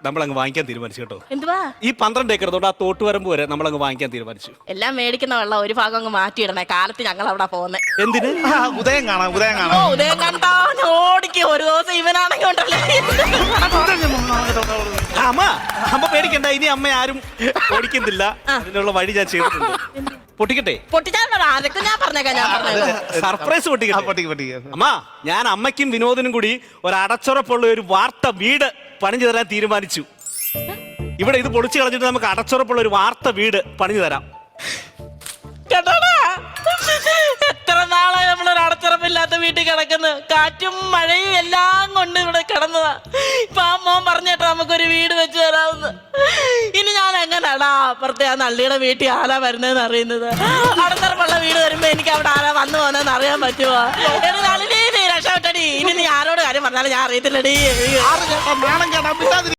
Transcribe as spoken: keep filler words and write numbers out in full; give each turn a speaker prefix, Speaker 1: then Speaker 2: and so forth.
Speaker 1: നമ്മളങ്ങ് വാങ്ങിക്കാൻ തീരുമാനിച്ചു കേട്ടോ.
Speaker 2: എന്തുവാ?
Speaker 1: ഈ പന്ത്രണ്ട് ഏക്കർ തൊട്ട് ആ തോട്ടുവരമ്പ് വരെ നമ്മളങ്ങ് വാങ്ങിക്കാൻ തീരുമാനിച്ചു.
Speaker 2: എല്ലാം മേടിക്കുന്ന വെള്ളം ഒരു ഭാഗം അങ്ങ് മാറ്റിയിടണേ. കാലത്ത് ഞങ്ങൾ അവിടെ പോകുന്നേ.
Speaker 1: എന്തിന്?
Speaker 3: ഉദയം കാണാം, ഉദയം
Speaker 2: ഓ
Speaker 3: കാണാം.
Speaker 2: ഉദയം കണ്ടാ ഓടിക്കും. ഒരു ദിവസം ഇവനാണെങ്കിൽ ഉണ്ടല്ലേ.
Speaker 1: അമ്മ അമ്മ പേടിക്കണ്ട, ഇനി അമ്മ ആരും ഓടിക്കുന്നില്ല. അതിനുള്ള വഴി ഞാൻ ചെയ്തിട്ടുണ്ട്. പൊട്ടിക്കട്ടെ?
Speaker 2: പൊട്ടിച്ചാൽ ആരൊക്കെ ഞാൻ പറഞ്ഞേക്കാം. ഞാൻ പറഞ്ഞേക്കാം
Speaker 1: സർപ്രൈസ് പൊട്ടിക്കട്ടെ?
Speaker 3: പൊട്ടിക്ക് പൊട്ടിക്ക്.
Speaker 1: അമ്മ, ഞാൻ അമ്മയ്ക്കും വിനോദിനും കൂടി ഒരു അടച്ചുറപ്പുള്ള ഒരു വാർത്ത വീട് പണിഞ്ഞു തരാൻ തീരുമാനിച്ചു. ഇവിടെ ഇത് പൊളിച്ചു കളഞ്ഞിട്ട് നമുക്ക് അടച്ചുറപ്പുള്ള ഒരു വാർത്ത വീട് പണിഞ്ഞു തരാം.
Speaker 2: കേട്ടോടാ, എത്ര നാളായി നമ്മളൊരു അടച്ചുറപ്പില്ലാത്ത വീട്ടിൽ കിടക്കുന്നു. കാറ്റും മഴയും എല്ലാം കൊണ്ട് ഇവിടെ കിടന്നതാ. ഇപ്പൊ ആ മോൻ പറഞ്ഞേട്ടാ നമുക്കൊരു വീട് വെച്ച് തരാമെന്ന്. ഇനി ഞാൻ എങ്ങനെയാടാ അപ്പുറത്തെ ആ നള്ളിയുടെ വീട്ടിൽ ആരാ വരുന്നതെന്ന് അറിയുന്നത്? അടച്ചുറപ്പുള്ള വീട് വരുമ്പോ എനിക്ക് അവിടെ ആരാ വന്നു പോകുന്നതെന്ന് അറിയാൻ പറ്റുമോ? നളിനി, നീ രക്ഷപ്പെട്ടടി. ഇനി നീ ആരോട് കാര്യം പറഞ്ഞാലും ഞാൻ അറിയത്തില്ലടി.